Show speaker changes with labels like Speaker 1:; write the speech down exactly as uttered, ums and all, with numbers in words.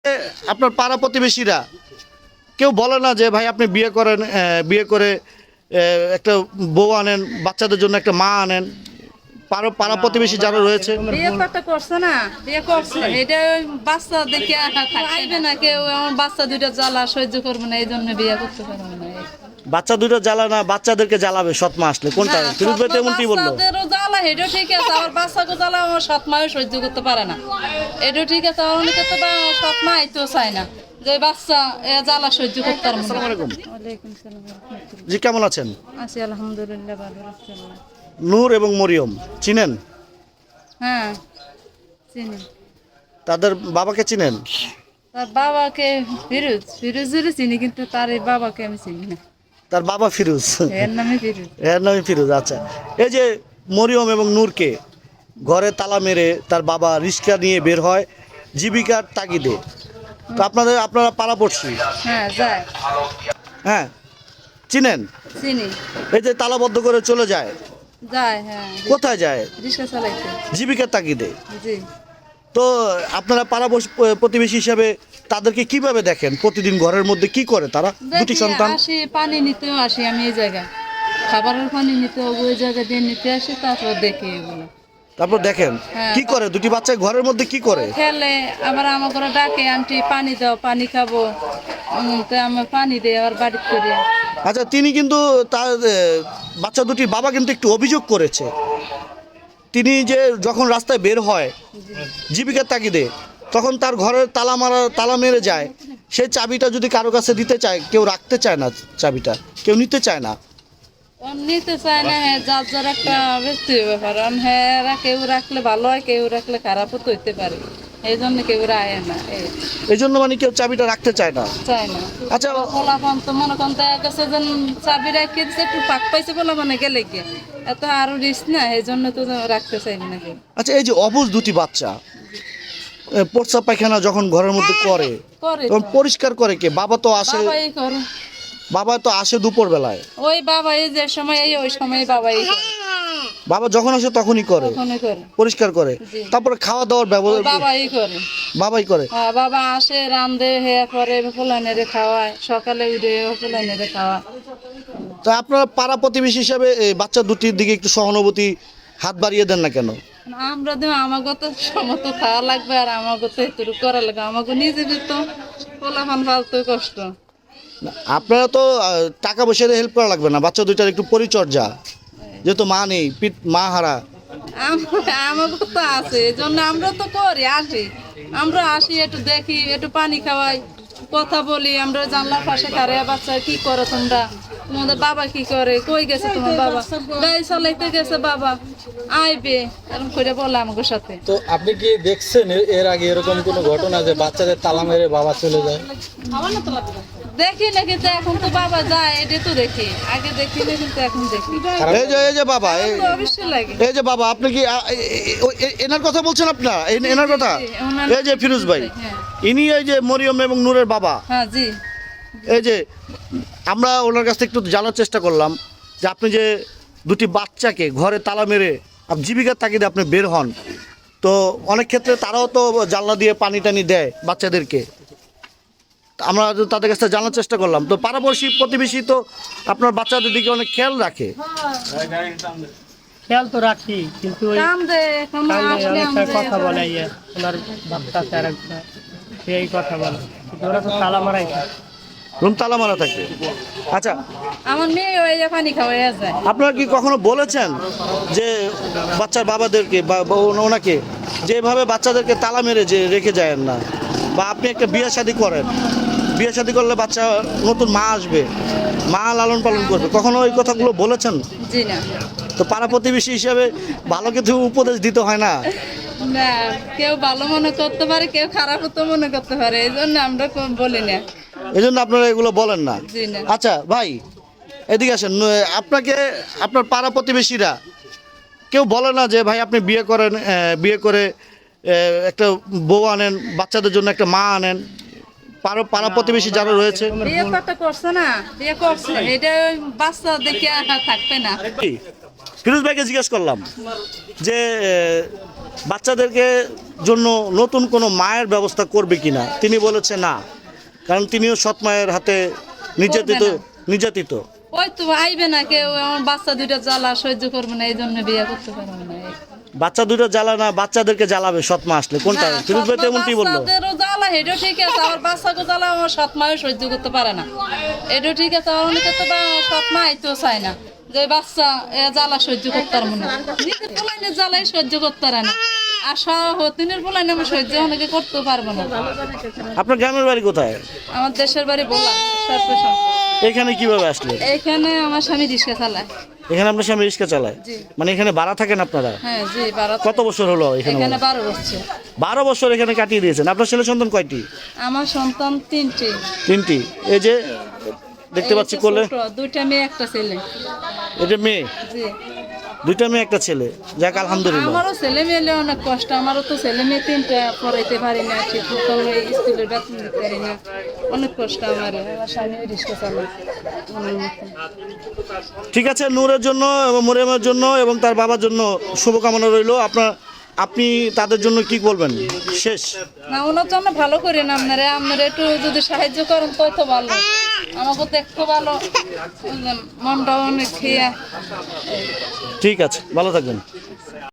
Speaker 1: আপনার পাড়া প্রতিবেশীরা কেউ বলে না যে ভাই আপনি বিয়ে করেন, বিয়ে করে একটা বউ আনেন, বাচ্চাদের জন্য একটা মা আনেন? পাড়া পাড়া প্রতিবেশী যারা রয়েছে
Speaker 2: বিয়ে করতে করছে না, বিয়ে করছে এটা বাচ্চা দেখে আইবে না কেউ, আমার বাচ্চা দুইটা জ্বালা সহ্য করবে না, এই জন্য বিয়ে করতে পারবে না।
Speaker 1: বাচ্চা দুটো জ্বালা না, বাচ্চাদেরকে জ্বালাবে সৎ মা আসলে, কোনটা? ফিরোজ ভাই তেমনটি বললো।
Speaker 2: বাচ্চাদেরও জ্বালা, এটাও ঠিক আছে, আমার বাচ্চাকে জ্বালা আমার সৎ মাও সহ্য করতে পারে না, এটাও ঠিক আছে। আমার অনেকে তো সৎ মা আইতেও চায় না, যে বাচ্চা এ জ্বালা সহ্য করতে পারবে না।
Speaker 1: আসসালামু আলাইকুম।
Speaker 2: ওয়ালাইকুম সালাম।
Speaker 1: জি, কেমন আছেন?
Speaker 2: আছি আলহামদুলিল্লাহ, ভালো আছি।
Speaker 1: নূর এবং মরিয়ম চিনেন?
Speaker 2: হ্যাঁ চিনি।
Speaker 1: তাদের বাবাকে চিনেন?
Speaker 2: তার বাবাকে ফিরোজ, ফিরোজেরও চিনি, কিন্তু তার এই বাবাকে আমি চিনি না।
Speaker 1: তার বাবা ফিরোজ,
Speaker 2: এর নামে ফিরোজ।
Speaker 1: এর নামে ফিরোজ। আচ্ছা, এই যে মরিয়ম এবং নূরকে ঘরে তালা মেরে তার বাবা রিক্সা নিয়ে বের হয় জীবিকার তাগিদে, তো আপনাদের আপনারা পাড়াপড়শি,
Speaker 2: হ্যাঁ যায়,
Speaker 1: হ্যাঁ চিনেন?
Speaker 2: চিনি।
Speaker 1: এই যে তালাবদ্ধ করে চলে যায়,
Speaker 2: যায়, হ্যাঁ।
Speaker 1: কোথায় যায়?
Speaker 2: রিক্সা চালাইতে।
Speaker 1: জীবিকার তাগিদে।
Speaker 2: জি।
Speaker 1: তো আপনারা পাড়া প্রতিবেশী হিসাবে তাদেরকে কিভাবে দেখেন? প্রতিদিন ঘরের মধ্যে কি করে তারা? দুটি
Speaker 2: দেখি,
Speaker 1: সন্তান।
Speaker 2: আসি পানি নিতেও আসি আমি এই জায়গায়, খাবারের পানি নিতে ওই জায়গা দিয়ে নিতে আসি, তারপর দেখি এগুলো।
Speaker 1: তারপর দেখেন
Speaker 2: হ্যাঁ।
Speaker 1: কি করে দুটি বাচ্চা ঘরের মধ্যে কি করে?
Speaker 2: খেলে, আবার আমার ঘরে ডাকে, আন্টি পানি দাও, পানি খাবো, উম, তো আমার পানি দেয় আবার বাড়ি করে।
Speaker 1: আচ্ছা, তিনি কিন্তু তার এ, বাচ্চা দুটির বাবা কিন্তু একটু অভিযোগ করেছে, তিনি যে যখন রাস্তায় বের হয় জীবিকার তাগিদে, তখন তার ঘরের তালা মারা তালা মেরে যায়, সেই চাবিটা যদি কারো কাছে দিতে চায়, কেউ রাখতে চায় না, চাবিটা কেউ নিতে চায় না।
Speaker 2: ও নিতে চায় না, হ্যাঁ, যার যার একটা ব্যক্তিগত ব্যাপার, হ্যাঁ, কেউ রাখলে ভালো হয়, কেউ রাখলে খারাপও তো হইতে পারে, এই জন্য কেউ রায় না, এই
Speaker 1: এই জন্য মানে কেউ চাবিটা রাখতে চায় না।
Speaker 2: চায় না।
Speaker 1: আচ্ছা,
Speaker 2: পোলাপান তো মনে করেন দেখা গেছে যে চাবি রাখিয়ে দিচ্ছে, একটু পাক পাইছে পোলাপানে গেলে গিয়ে, এত আরো রিস্ক না, এই জন্য তো রাখতে চাইবে না কেউ।
Speaker 1: আচ্ছা, এই যে অবুঝ দুটি বাচ্চা এ, প্রস্রাব পায়খানা যখন ঘরের মধ্যে করে,
Speaker 2: করে
Speaker 1: তখন
Speaker 2: তো।
Speaker 1: পরিষ্কার করে কে? বাবা তো আসে,
Speaker 2: বাবাই করে।
Speaker 1: বাবা তো আসে দুপুর বেলায়,
Speaker 2: ওই বাবাই যে সময় এই ওই সময় বাবাই করে।
Speaker 1: বাবা যখন আসে তখনই করে,
Speaker 2: তখনই করে।
Speaker 1: পরিষ্কার করে।
Speaker 2: জি।
Speaker 1: তারপরে খাওয়া দাওয়ার
Speaker 2: ওই
Speaker 1: ব্যবস্থা
Speaker 2: বাবাই করে।
Speaker 1: বাবাই করে।
Speaker 2: হ্যাঁ, বাবা আসে, রান্ধে, হে করে, ফুলাইনেরে খাওয়ায়, সকালে উঠে ফুলাইনেরে খাওয়ায়।
Speaker 1: তো আপনারা পাড়া প্রতিবেশী হিসাবে এই বাচ্চা দুটির দিকে একটু সহানুভূতি হাত বাড়িয়ে দেন না কেন?
Speaker 2: আমরা তো আমাকে তো সমত খাওয়া লাগবে, আর আমাকে তো এতটুকু করা লাগবে, আমাকে নিজে তো পোলাপান ফালতে কষ্ট।
Speaker 1: না, আপনারা তো আহ, টাকা পয়সা দিয়ে হেল্প করা লাগবে না, বাচ্চা দুইটার একটু পরিচর্যা, যেহেতু মা নেই, পিঠ মা হারা।
Speaker 2: আম- আমাকে তো আছে, এই জন্য আমরা তো করি, আসি, আমরা আসি, একটু দেখি, একটু পানি খাওয়াই, কথা বলি, আমরা জানলার পাশে খারে, বাচ্চা কি করো তোমরা, তোমাদের বাবা কি করে, কই গেছে তোমার বাবা, গাড়ি চালাইতে গেছে বাবা, আইবে, এরকম করে বলে আমাকে সাথে।
Speaker 3: তো আপনি কি দেখছেন এর- এর আগে এরকম কোনো ঘটনা যে বাচ্চাদের তালা মেরে বাবা চলে যায়?
Speaker 2: দেখি না, কিন্তু এখন তো বাবা যায়, এটা তো দেখি, আগে দেখি না, কিন্তু এখন দেখি।
Speaker 1: এই যে এই যে বাবা, এই
Speaker 2: তো অবশ্যই লাগে।
Speaker 1: এই যে বাবা, আপনি কি আ, এ- এ- ও- এ- এনার কথা বলছেন আপনারা? এই- এনার কথা,
Speaker 2: জি, ওনার-
Speaker 1: এই যে ফিরোজ ভাই,
Speaker 2: হ্যাঁ।
Speaker 1: ইনি এই যে মরিয়ম এবং নূরের বাবা।
Speaker 2: হ্যাঁ জি।
Speaker 1: এই যে আমরা ওনার কাছ থেকে একটু জানার চেষ্টা করলাম যে আপনি যে দুটি বাচ্চাকে ঘরে তালা মেরে আপ- জীবিকার তাগিদে আপনি বের হন, তো অনেক ক্ষেত্রে তারাও তো জানলা দিয়ে পানি টানি দেয় বাচ্চাদেরকে, আমরা তো তাদের কাছ থেকে জানার চেষ্টা করলাম, তো পাড়াপড়শি প্রতিবেশী তো আপনার বাচ্চাদের দিকে অনেক খেয়াল রাখে।
Speaker 4: খেয়াল তো রাখি, কিন্তু ওই
Speaker 2: কাম দে, এখন
Speaker 4: কান্দে
Speaker 2: আসলে
Speaker 4: অনেকটা
Speaker 2: আমাদের
Speaker 4: কথা বলে, ইয়ে ওনার বাচ্চা আছে আর একটা, সেই কথা বলে, কিন্তু ওরা তো তালা মারাই থাকে।
Speaker 1: রুম তালা মারা থাকে। আচ্ছা,
Speaker 2: আমার মেয়ে ওই যে পানি খাওয়াইয়া যায়।
Speaker 1: আপনারা কি কখনো বলেছেন যে বাচ্চার বাবাদেরকে বা বা ওন- ওনাকে যে এভাবে বাচ্চাদেরকে তালা মেরে যে রেখে যায় না, বা আপনি একটা বিয়ে শাদী করেন, বিয়ে শাদী করলে বাচ্চা নতুন মা আসবে, মা লালন পালন করবে, কখনো ওই কথাগুলো বলেছেন?
Speaker 2: জি না।
Speaker 1: তো পাড়া প্রতিবেশী হিসাবে ভালো কিছু উপদেশ দিতে হয় না?
Speaker 2: না, কেউ ভালো মনে করতে পারে, কেউ খারাপ তো মনে করতে পারে, এই জন্য আমরা কো- বলি না।
Speaker 1: এই জন্য আপনারা এগুলো বলেন না?
Speaker 2: জি না।
Speaker 1: আচ্ছা ভাই, এদিকে আসেন। ন- আপনাকে আপনার পাড়া প্রতিবেশীরা কেউ বলে না যে ভাই আপনি বিয়ে করেন, আহ, বিয়ে করে আহ, একটা বউ আনেন, বাচ্চাদের জন্য একটা মা আনেন? পাড়া পাড়া প্রতিবেশী যারা রয়েছে
Speaker 2: বিয়ে করতে করছে না, বিয়ে করছে, এটা বাচ্চা দেখে থাকবে না।
Speaker 1: কি? ফিরোজ ভাইকে জিজ্ঞেস করলাম যে আহ, বাচ্চাদেরকে জন্য নতুন কোনো মায়ের ব্যবস্থা করবে কিনা, তিনি বলেছে না, কারণ তিনিও সৎ মায়ের হাতে নির্যাতিত
Speaker 2: করবে
Speaker 1: নির্যাতিত
Speaker 2: ওই তো আইবে না কেউ, আমার বাচ্চা দুইটা জ্বালা সহ্য করবে না, এই জন্য বিয়ে করতে পারবে না।
Speaker 1: বাচ্চা দুটো জ্বালা না, বাচ্চাদেরকে জ্বালাবে সৎ মা আসলে, কোনটা?
Speaker 2: না,
Speaker 1: ফিরোজ ভাই তো এমনটি বললো।
Speaker 2: বাচ্চাদেরও জ্বালা এটাও ঠিক আছে, আমার বাচ্চাকে জ্বালা আমার সৎ মাও সহ্য করতে পারে না, এটাও ঠিক আছে। আর অনেকে তো বা- সৎ মা আইতেও চায় না, যে বাচ্চা এ জ্বালা সহ্য করতে পারবো না, নিজের পোলাইনে জ্বালাই সহ্য করতে পারে না, আর সতিনের পোলাইনে আমি সহ্য অনেকে করতেও পারবো না।
Speaker 1: আপনার গ্রামের বাড়ি কোথায়?
Speaker 2: আমার দেশের বাড়ি বলা সর্বশান।
Speaker 1: এখানে কিভাবে আসলেন?
Speaker 2: এখানে আমার স্বামী রিক্সা চালায়।
Speaker 1: এখানে আপনার স্বামী রিক্সা চালায়?
Speaker 2: জি।
Speaker 1: মানে এখানে ভাড়া থাকেন আপনারা?
Speaker 2: হ্যাঁ জি, বারো
Speaker 1: কত বছর হলো এখানে?
Speaker 2: এখানে বারো বছর।
Speaker 1: বারো বছর এখানে কাটিয়ে দিয়েছেন। আপনার ছেলে সন্তান কয়টি?
Speaker 2: আমার সন্তান তিনটে।
Speaker 1: তিনটি। এই যে দেখতে
Speaker 2: এই
Speaker 1: পাচ্ছি
Speaker 2: যে
Speaker 1: কোলে,
Speaker 2: ছোট, দুইটা মেয়ে একটা ছেলে।
Speaker 1: এটা মেয়ে,
Speaker 2: জি।
Speaker 1: দুইটা মেয়ে একটা ছেলে, যাক আলহামদুলিল্লাহ।
Speaker 2: আমারও ছেলে মেয়ে অনেক কষ্ট, আমারও তো ছেলে মেয়ে তিনটা, পড়াইতে পারি না, ঠিক মতো স্কুলের বেতন দিতে পারি না, অনেক কষ্ট আমার। আমার স্বামী রিক্সা চালায় আমার মতো।
Speaker 1: ঠিক আছে, নূরের জন্য এবং মরিয়মের জন্য এবং তার বাবার জন্য শুভকামনা রইল। আপনার আপনি তাদের জন্য কি বলবেন শেষ?
Speaker 2: না, ওনার জন্য ভালো করেন আপনারা, আপনারা একটু যদি সাহায্য করেন তো তো ভালো, আমাকে তো একটু ভালো, বুঝলেন, মনটাও অনেক খেয়ে।
Speaker 1: ঠিক আছে, ভালো থাকবেন।